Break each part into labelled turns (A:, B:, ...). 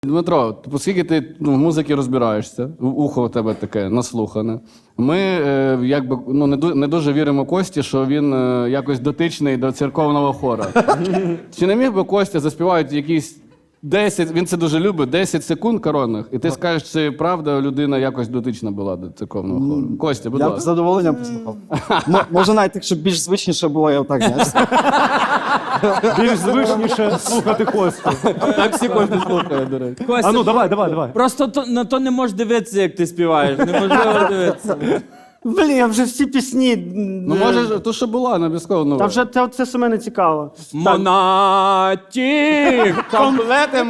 A: Дмитро, оскільки ти в музиці розбираєшся, ухо у тебе таке наслухане, ми якби не дуже віримо Кості, що він якось дотичний до церковного хора. Чи не міг би Костя заспівати якісь 10, він це дуже любить, 10 секунд коронних, і ти скажеш, чи правда людина якось дотична була до церковного хору? Костя, будь
B: Я б
A: ласка.
B: з задоволенням послухав. Може навіть, якщо більш звичніше було, я отак, знаєш.
C: Більш звичніше слухати Костю.
A: Так всі Костю слухає, до речі.
C: А ну, давай.
D: Просто на то не можеш дивитися, як ти співаєш. Неможливо дивитися.
E: Блін, я вже всі пісні.
A: Ну, може, то, що була, не обов'язково.
E: Та вже це саме не цікаво.
D: Монатік!
A: Комплети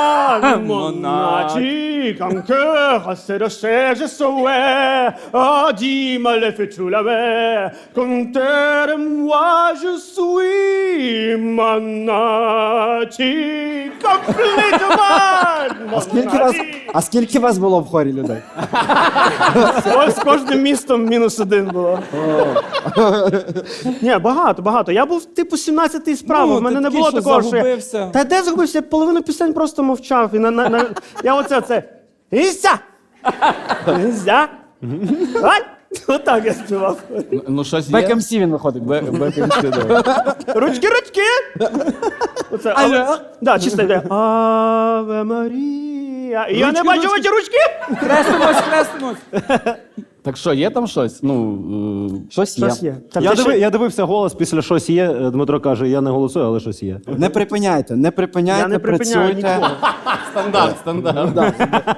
E: Monati, en cœur, c'est de cher, je saurais. Ah, dis-moi, le fais-tu la mer? Comptez de moi, je suis Monati. Complètement!
B: А скільки вас було в хорі людей?
E: Ось з кожним містом -1 було. Ні, багато. Я був типу 17-й справа,
D: Ну,
E: в мене
D: ти
E: не
D: такий,
E: було
D: що
E: такого, що
D: загубився.
E: я... Та де загубився? Я половину пісень просто мовчав. І я оце. Іся! Іся! Ай! Отак я співав.
A: Ну, щось є.
B: Бек-МС він виходить.
A: Бек-МС, да.
E: Ручки! Оце, але... Да, чисто йде. Аве Марія. І я не бачу ваші ручки!
D: Хрестимось!
A: Так що, є там щось? Ну,
B: Щось є.
E: Щось є. Та
C: Я,
E: ти ще-
C: я дивився голос після щось є. Дмитро каже, я не голосую, але щось є.
B: Не припиняйте,
E: Я не припиняю
B: працюйте.
E: нікого.
A: стандарт.